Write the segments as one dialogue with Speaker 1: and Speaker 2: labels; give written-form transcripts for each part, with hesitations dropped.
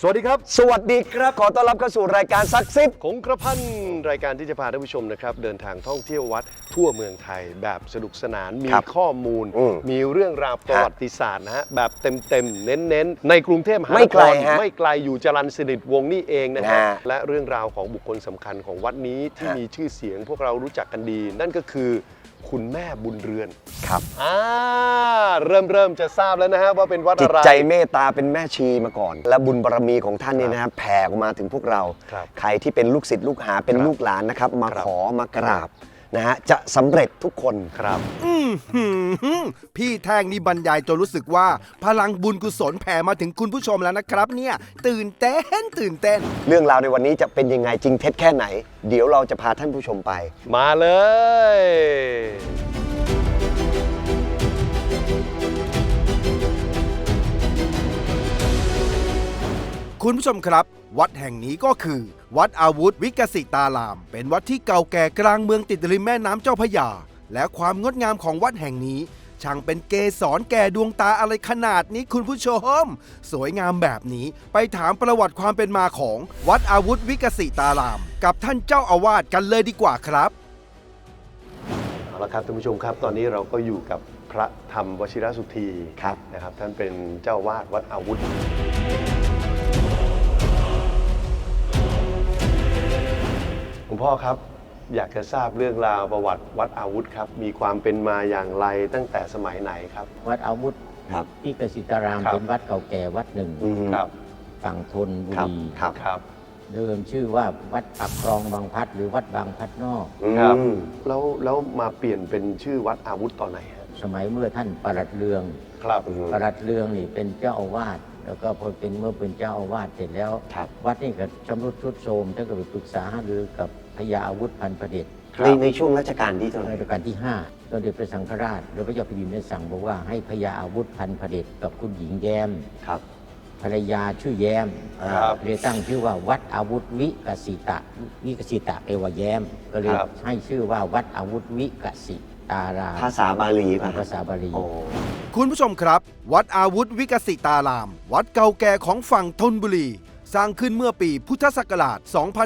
Speaker 1: วัสดีครับ
Speaker 2: สวัสดีครับขอต้อนรับเข้าสู่รายการซักซิบ
Speaker 1: คงกระพันรายการที่จะพาท่านผู้ชมนะครับเดินทางท่องเที่ยววัดทั่วเมืองไทยแบบสนุกสนานมีข้อมูลมีเรื่องราวประวัติศาสตร์นะฮะแบบเต็มๆเน้นๆในกรุงเทพมหานครไม่ไกลอยู่จรัญสนิทวงศ์นี่เองนะฮะและเรื่องราวของบุคคลสำคัญของวัดนี้ที่มีชื่อเสียงพวกเรารู้จักกันดี นั่นก็คือคุณแม่บุญเรือน
Speaker 2: ครับ
Speaker 1: เริ่มจะทราบแล้วนะฮะว่าเป็นวัดอะไร
Speaker 2: จิตใจเมตตาเป็นแม่ชีมาก่อน และบุญบารมีของท่านนี่นะครับแผ่ออกมาถึงพวกเราใครที่เป็นลูกศิษย์ลูกหาเป็นลูกหลานนะครับมาขอมากราบนะฮะจะสำเร็จทุกคน
Speaker 1: ครับ
Speaker 3: พี่แท่งนี่บรรยายจนรู้สึกว่าพลังบุญกุศลแผ่มาถึงคุณผู้ชมแล้วนะครับเนี่ยตื่นเต้น
Speaker 2: เรื่องราวในวันนี้จะเป็นยังไงจริงเท็จแค่ไหนเดี๋ยวเราจะพาท่านผู้ชมไป
Speaker 1: มาเลย
Speaker 3: คุณผู้ชมครับวัดแห่งนี้ก็คือวัดอาวุธวิกสิตารามเป็นวัดที่เก่าแก่กลางเมืองติดริมแม่น้ำเจ้าพระยาและความงดงามของวัดแห่งนี้ช่างเป็นเกสรแก่ดวงตาอะไรขนาดนี้คุณผู้ชมสวยงามแบบนี้ไปถามประวัติความเป็นมาของวัดอาวุธวิกสิตารามกับท่านเจ้าอาวาสกันเลยดีกว่าครับ
Speaker 1: เอาละครับท่านผู้ชมครับตอนนี้เราก็อยู่กับพระธรรมวชิรสุธีนะครับท่านเป็นเจ้าวาดวัดอาวุธคุณพ่อครับอยากจะทราบเรื่องราวประวัติวัดอาวุธครับมีความเป็นมาอย่างไรตั้งแต่สมัยไหนครับ
Speaker 4: วัดอาวุธวิกสิตารามเป็นวัดเก่าแก่วัดหนึ่งฝั่งธนบุรีเดิมชื่อว่าวัดปักคลองบางพัดหรือวัดบางพัดนอก
Speaker 1: ครับแล้วมาเปลี่ยนเป็นชื่อวัดอาวุธตอนไหนฮะ
Speaker 4: สมัยเมื่อท่านปลัดเรืองปลัดเรืองนี่เป็นเจ้าอาวาสแล้วก็พอเป็นเมื่อเป็นเจ้าอาวาสเสร็จแล้ววัดนี่ก็ชำรุดทรุดโทรมท่านก็ไปปรึกษาหารือกับพญาอาวุธพันประเดช
Speaker 2: ในช่วงรัชกาลที่เท่าไหร่
Speaker 4: รัชกาลที่5สมเด็จพระสังฆราชหรือพระเจ้าแผ่นดินได้สั่งบอกว่าให้พญาอาวุธพันประเดชกับคุณหญิงแย้มภรรยาชื่อแย้มเลยตั้งชื่อว่าวัดอาวุธวิกสิตะแปลว่าแย้มก็เลยให้ชื่อว่าวัดอาวุธวิกสิตาราม
Speaker 2: ภาษาบาลี
Speaker 4: ภาษาบาลี
Speaker 3: คุณผู้ชมครับวัดอาวุธวิกสิตารามวัดเก่าแก่ของฝั่งธนบุรีสร้างขึ้นเมื่อปีพุทธศักราช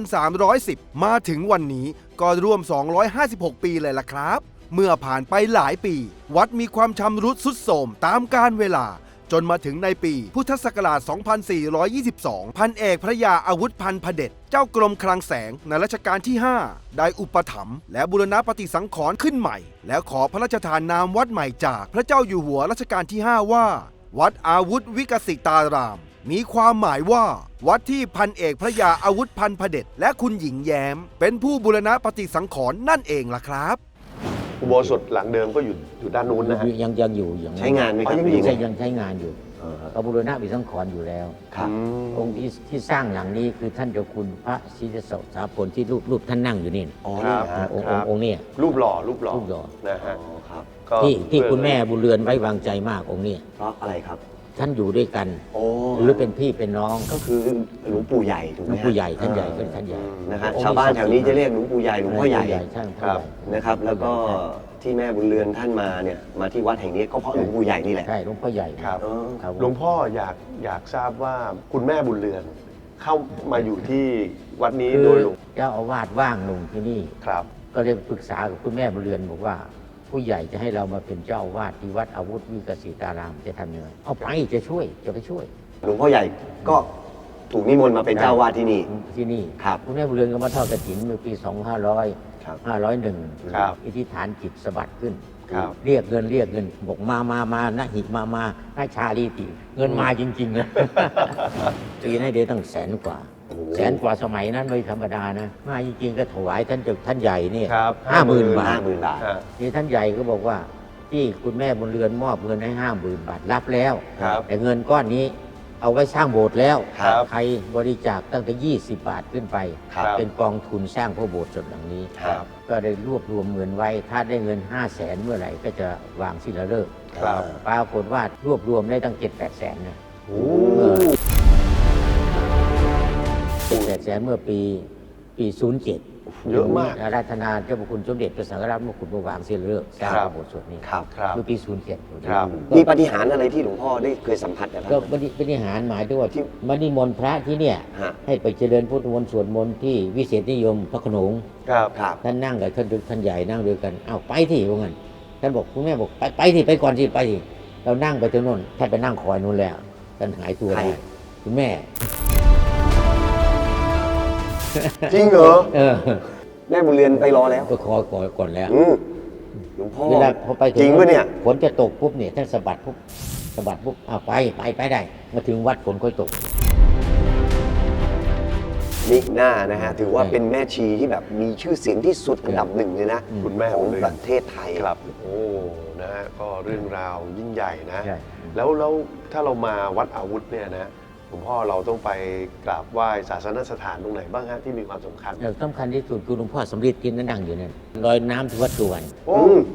Speaker 3: 2310 มาถึงวันนี้ก็รวม 256 ปีเลยล่ะครับเมื่อผ่านไปหลายปีวัดมีความชำรุดทรุดโทรมตามกาลเวลาจนมาถึงในปีพุทธศักราช 2422 พันเอกพระยาอาวุธพันพเดชเจ้ากรมคลังแสงในรัชกาลที่ 5 ได้อุปถัมภ์และบูรณปฏิสังขรณ์ขึ้นใหม่แล้วขอพระราชทานนามวัดใหม่จากพระเจ้าอยู่หัวรัชกาลที่ 5 ว่าวัดอาวุธวิกสิตารามมีความหมายว่าวัดที่พันเอกพระยาอาวุธพันพเดชและคุณหญิงแย้มเป็นผู้บูรณปฏิสังขรณ์นั่นเองล่ะครับ
Speaker 1: อุโบสถหลังเดิมก็อยู่ด้านนู้นนะฮะ
Speaker 4: ยังอยู่
Speaker 2: ใช้งานไหมครับ
Speaker 4: ยังใช้งานอยู่ก็บูรณะปฏิสังขรณ์อยู่แล้วองค์ที่สร้างหลังนี้คือท่านเจ้าคุณพระศรีสถาพลที่รูปท่านนั่งอยู่นี่องค์นี้
Speaker 1: รูปหล่อนะฮะ
Speaker 4: ที่คุณแม่บุญเรือนไว้วางใจมากองค์นี้
Speaker 2: เพราะอะไรครับ
Speaker 4: ท่านอยู่ด้วยกันหรือเป็นพี่เป็นน้อง
Speaker 2: ก็คือหลวงปู่ใหญ่ถูกไหม
Speaker 4: หลวงปู่ใหญ่ท่านใหญ่ก็ท่านใหญ่
Speaker 2: นะครับชาวบ้านแถวนี้จะเรียกหลวงปู่ใหญ่หลวงพ่อใหญ่นะครับแล้วก็ที่แม่บุญเรือนท่านมาเนี่ยมาที่วัดแห่งนี้ก็เพราะหลวงปู่ใหญ่นี่แหละ
Speaker 4: ใช่หลวงพ่อใหญ่
Speaker 1: ครับหลวงพ่ออยากทราบว่าคุณแม่บุญเรือนเข้ามาอยู่ที่วัดนี้โดยหลวง
Speaker 4: เจ้าอาวาสว่างลงที่นี่
Speaker 1: ครับ
Speaker 4: ก็เลยปรึกษากับคุณแม่บุญเรือนบอกว่าผู้ใหญ่จะให้เรามาเป็นเจ้าอาวาสที่วัดอาวุธวิกสิตารามจะทำยังไงเอาไปจะไปช่วย
Speaker 2: หลวงพ่อใหญ่ก็ถูกนิมนต์มาเป็นเจ้าวาดที่นี่
Speaker 4: ครับคุณแม่บุญเรือนก็มาทอดกฐินเมื่อปี 501อธิษฐานจิตสะบัดขึ้นเรียกเงินบอกมานะหิมาให้ชาลีติเงินมาจริงๆนะปีนั้นได้ตั้ง100,000 กว่าสมัยนั้นไม่ธรรมดานะมาจริงๆก็ถวายท่านใหญ่เนี่ย50,000 บาทนี่ท่านใหญ่ก็บอกว่าที่คุณแม่บุญเรือนมอบเงินให้50,000 บาทรับแล้วแต่เงินก้อนนี้เอาไว้สร้างโบสถ์แล้วใครบริจาคตั้งแต่20 บาทขึ้นไปเป็นกองทุนสร้างพระโบสถ์ส่วนหลังนี้ก็ได้รวบรวมเงินไว้ถ้าได้เงิน500,000 เมื่อไหร่ก็จะวางศิลาฤกษ์ปรากฏว่ารวบรวมได้ตั้ง 7-8 แสนนะ7-8 แสนเมื่อปีปี 07
Speaker 1: เยอะมาก
Speaker 4: อาราธนาเจ้าพระคุณสมเด็จพระสังฆราชมกุฎบวางเสียเลิกสร้าง
Speaker 1: ครับ
Speaker 4: พระโบสถ์สวดนี้
Speaker 2: ครับ
Speaker 1: ครับ
Speaker 4: เมื่อปี 07
Speaker 1: ครับ
Speaker 2: มีปาฏิหาริย์อะไรที่หลวงพ่อได้เคยสัมผัสกับท่าน
Speaker 4: ก็
Speaker 2: ไหม
Speaker 4: ปฏิหารหมายถึงว่าที่มานิมนต์พระที่เนี่ย
Speaker 2: ฮะ
Speaker 4: ให้ไปเจริญพุทธมนต์สวดมนต์ที่วิเศษนิยมพระโขนง
Speaker 1: ครับ
Speaker 2: ครับ
Speaker 4: ท่านนั่งกับท่านใหญ่นั่งด้วยกันอ้าวไปที่ว่างั้นท่านบอกคุณแม่บอกไปที่ไปก่อนสิไปที่เรานั่งไปถึงโน่นท่านไปนั่งคอยนู่นแล้วท่านหายตัว
Speaker 2: ใคร
Speaker 4: ได้คุณแม่
Speaker 2: จริงเหรอ
Speaker 4: เออ
Speaker 2: แม่บุญเรือนไปรอแล้ว
Speaker 4: ก็คอยก่อนแล้ว
Speaker 2: หลวงพ่อ
Speaker 4: เวลาพอไปถึ
Speaker 2: จริงปะเนี่ย
Speaker 4: ฝนจะตกปุ๊บเนี่ยท่านสะบัดปุ๊บอ้าวไปได้ มาถึงวัดฝนค่อยตก
Speaker 2: นิหน้านะฮะถือว่าเป็นแม่ชีที่แบบมีชื่อเสียงที่สุดอันดับหนึ่งเลยนะ
Speaker 1: คุณแม่
Speaker 2: ของ
Speaker 1: บุญเรือน
Speaker 2: ประเทศไทย
Speaker 1: ครับโอ้นะฮะก็เรื่องราวยิ่งใหญ่นะ
Speaker 4: ใช่
Speaker 1: แล้วถ้าเรามาวัดอาวุธเนี่ยนะหลวงพ่อเราต้องไปกราบไหว้ศาสนสถานตรงไหนบ้างฮะที่มีความสำคัญ
Speaker 4: แล้วสำคัญที่สุดคือหลวงพ่อสำริดที่นั่งอยู่นั่นลอยน้ำที่วัดสุวรรณ
Speaker 1: โอ้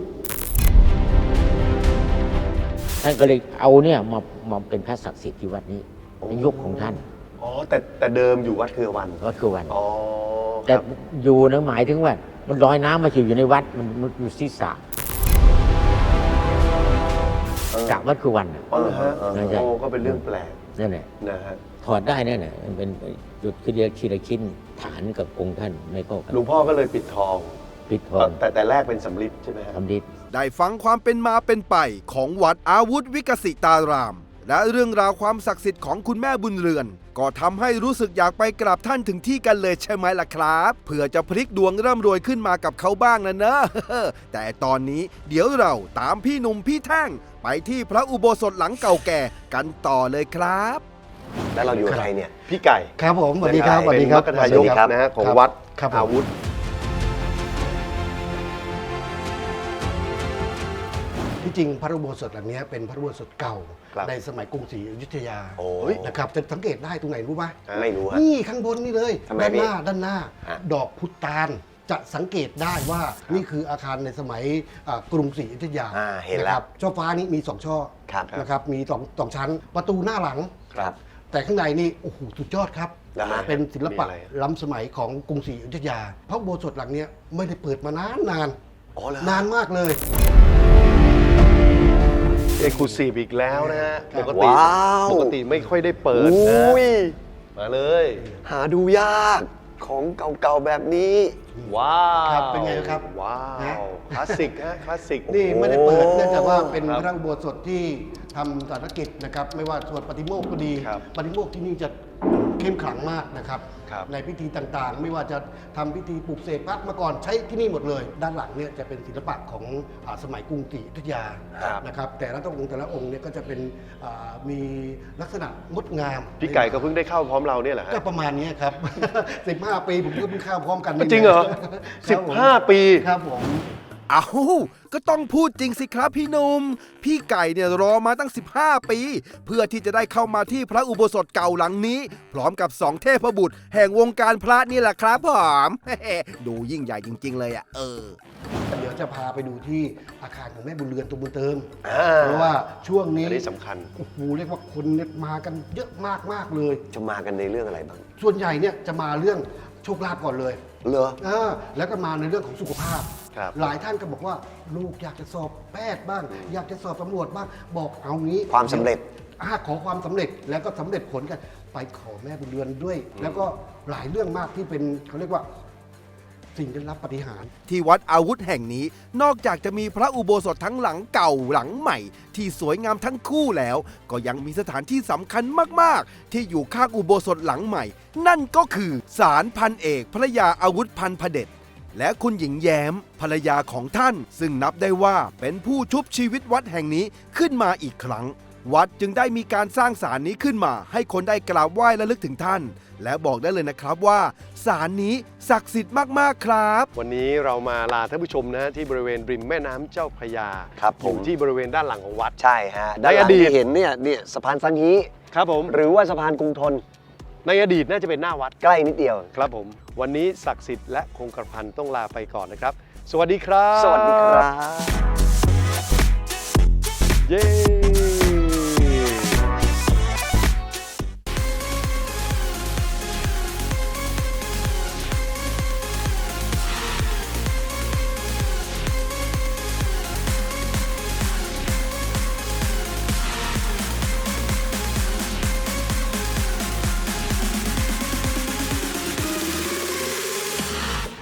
Speaker 4: ท่านก็เลยเอาเนี่ยมาเป็นพระศักดิ์สิทธิ์ที่วัดนี้ในยุคของท่าน
Speaker 1: อ๋อแต่เดิมอยู่วัดเครือวัน
Speaker 4: วัดสุวรรณ
Speaker 1: อ๋อค
Speaker 4: แต่
Speaker 1: รับ
Speaker 4: อยู่นะหมายถึงว่า มันลอยน้ำมาอยู่ในวัดมันอยู่ที่สระสระวัดสุวรรณน่ะ
Speaker 1: อ๋อเหรอฮะ
Speaker 4: ไม่ใช่
Speaker 1: โอ้ก็เป็นเรื่องแปลก
Speaker 4: นั่นแหละ
Speaker 1: นะฮะ
Speaker 4: ถอดได้นั่นแหละมันเป็นจุดคือเรียกชิ้นละชิ้นฐานกับองค์ท่านไม่เข้ากัน
Speaker 1: หลวงพ่อก็เลยปิดทอง
Speaker 4: ปิดทอง
Speaker 1: แต่แรกเป็นสำริดใช่ไหมฮะ
Speaker 4: ทำดิษ
Speaker 3: ได้ฟังความเป็นมาเป็นไปของวัดอาวุธวิกสิตาราม และเรื่องราวความศักดิ์สิทธิ์ของคุณแม่บุญเรือน ก็ทำให้รู้สึกอยากไปกราบท่านถึงที่กันเลยใช่ไหมล่ะครับเผื่อจะพลิกดวงร่ำรวยขึ้นมากับเขาบ้างนะเนอะ แต่ตอนนี้เดี๋ยวเราตามพี่หนุ่มพี่แท่งไปที่พระอุโบสถหลังเก่าแก่กันต่อเลยครับ
Speaker 2: แล้วเราอยู่กับใครเนี่ย
Speaker 1: พี่ไก่
Speaker 5: ครับผมสวัสดีครับ
Speaker 1: เป็นมรรคทายกนะฮะของวัด
Speaker 5: ครับผม
Speaker 1: อาวุธ
Speaker 5: ที่จริงพระอุโบสถหลังนี้เป็นพระอุโบสถเก่า
Speaker 1: ครับ
Speaker 5: ในสมัยกรุงศรีอยุธยา
Speaker 2: โอ้ย
Speaker 5: นะครับจะสังเกตได้ตรงไหนรู้ไหม
Speaker 2: ไม่รู้ฮะ
Speaker 5: นี่ข้างบนนี่เลย
Speaker 2: ทำไม
Speaker 5: ด้านหน้า
Speaker 2: ฮะ
Speaker 5: ดอกพุตานจะสังเกตได้ว่านี่คืออาคารในสมัยกรุงศรีอยุธยา
Speaker 2: เห็น
Speaker 5: นะ
Speaker 2: แล้
Speaker 5: คว รับช่อฟ้านี้มี2ช่อ
Speaker 2: ครับ
Speaker 5: นะครับมีสองชั้น ประตูหน้าหลัง
Speaker 2: ครับ
Speaker 5: แต่ข้างในนี่โอ้โหสุดยอดครับ
Speaker 2: นะฮะ
Speaker 5: เป็นศิลปะ
Speaker 1: มีอะไร
Speaker 5: ล้ำสมัยของกรุงศรีอยุธยาพระอุโบสถหลังเนี้ยไม่ได้เปิดมานาน
Speaker 2: อ๋อเหรอ
Speaker 5: นานมากเลย
Speaker 1: เอกลูซีฟอีกแล้วนะฮะ
Speaker 5: ครั
Speaker 1: ป
Speaker 5: บ
Speaker 1: กติ
Speaker 2: ว้าว
Speaker 1: ปกติไม่ค่อยได้เปิดนะ
Speaker 2: อุ้ย
Speaker 1: มาเลย
Speaker 2: หาดูยากของเก่าๆแบบนี้
Speaker 1: ว้าว
Speaker 5: ครับเป็นไงครับ
Speaker 1: ว้า
Speaker 5: นะ
Speaker 1: วคลาสสิกฮะคลาสสิก
Speaker 5: นี่ไม่ได้เปิดเนื่องจากว่าเป็น
Speaker 1: ครับ
Speaker 5: พระอุโบสถที่ทำศาสนกิจนะครับไม่ว่าสวดปฏิโมกข์ก็ดี
Speaker 1: ครับ
Speaker 5: ปฏิโมกข์ที่นี่จะเข้มขลังมากนะครับ
Speaker 1: ครับ
Speaker 5: ในพิธีต่างๆ ไม่ว่าจะทำพิธีปลุกเสกพระมาก่อนใช้ที่นี่หมดเลย ด้านหลังเนี่ยจะเป็นศิลปะของสมัยกรุงศรีอยุธยา
Speaker 1: ครับ
Speaker 5: นะครับแต่ละองค์เนี่ยก็จะเป็นมีลักษณะงดงาม
Speaker 1: พี่ไก่ก็เพิ่งได้เข้าพร้อมเราเนี่ยแหละฮะ
Speaker 5: ก็ประมาณนี้ครับ 15 ปีผมก็เพิ่งเข้าพร้อมกัน
Speaker 1: จริงเหรอ
Speaker 5: ครับผม
Speaker 1: 15 ปี
Speaker 5: ครับผม
Speaker 3: เอาก็ต้องพูดจริงสิครับพี่หนุ่มพี่ไก่เนี่ยรอมาตั้ง 15 ปี เพื่อที่จะได้เข้ามาที่พระอุโบสถเก่าหลังนี้ พร้อมกับ2เทพบุตร แห่งวงการพระนี่แหละครับผม ดูยิ่งใหญ่จริง ๆ เลยอ่ะ
Speaker 5: เดี๋ยวจะพาไปดูที่อาคารของแม่บุญเรือนตัวบุญเติม
Speaker 1: อ่า
Speaker 5: เพราะว่าช่วงนี้
Speaker 1: อันนี้สำคัญ
Speaker 5: โอ้โหเรียกว่าคนเนี่ยมากันเยอะมากๆเลย
Speaker 2: จะมากันในเรื่องอะไรบ้าง
Speaker 5: ส่วนใหญ่เนี่ยจะมาเรื่องโชคลาภก่อนเลย
Speaker 2: เหรอ
Speaker 5: แล้วก็มาในเรื่องของสุขภาพ
Speaker 1: ครับ
Speaker 5: หลายท่านก็บอกว่าลูกอยากจะสอบแพทย์บ้าง อยากจะสอบตำรวจบ้างบอกเอางี้
Speaker 2: ความสำเร็จ
Speaker 5: ขอความสำเร็จแล้วก็สำเร็จผลกันไปขอแม่บุญเรือนด้วย แล้วก็หลายเรื่องมากที่เป็นเขาเรียกว่าสิ่งได้รับปาฏิหาริย์
Speaker 3: ที่วัดอาวุธแห่งนี้ นอกจากจะมีพระอุโบสถทั้งหลังเก่าหลังใหม่ ที่สวยงามทั้งคู่แล้ว ก็ยังมีสถานที่สำคัญมากๆ ที่อยู่ข้างอุโบสถหลังใหม่ นั่นก็คือศาลพันเอกพระยาอาวุธพันพเดชและคุณหญิงแย้มภรรยาของท่าน ซึ่งนับได้ว่าเป็นผู้ชุบชีวิตวัดแห่งนี้ขึ้นมาอีกครั้ง วัดจึงได้มีการสร้างศาลนี้ขึ้นมา ให้คนได้กราบไหว้และลึกถึงท่าน และบอกได้เลยนะครับว่าศาลนี้ศักดิ์สิทธิ์มากๆครับ
Speaker 1: วันนี้เรามาลาท่านผู้ชมนะที่บริเวณริมแม่น้ำเจ้าพระยา
Speaker 2: ครับผม
Speaker 1: อยู่ที่บริเวณด้านหลังของวัด
Speaker 2: ใช่ฮะ
Speaker 1: ในอดีต
Speaker 2: ที่เห็นเนี่ยสะพานสังฮี
Speaker 1: ครับผม
Speaker 2: หรือว่าสะพานกรุงทน
Speaker 1: ในอดีตน่าจะเป็นหน้าวัด
Speaker 2: ใกล้นิดเดียว
Speaker 1: ครับผม วันนี้ศักดิ์สิทธิ์และคงกระพันต้องลาไปก่อนนะครับ สวัสดีครับ
Speaker 2: สวัสดีครับ
Speaker 1: เย้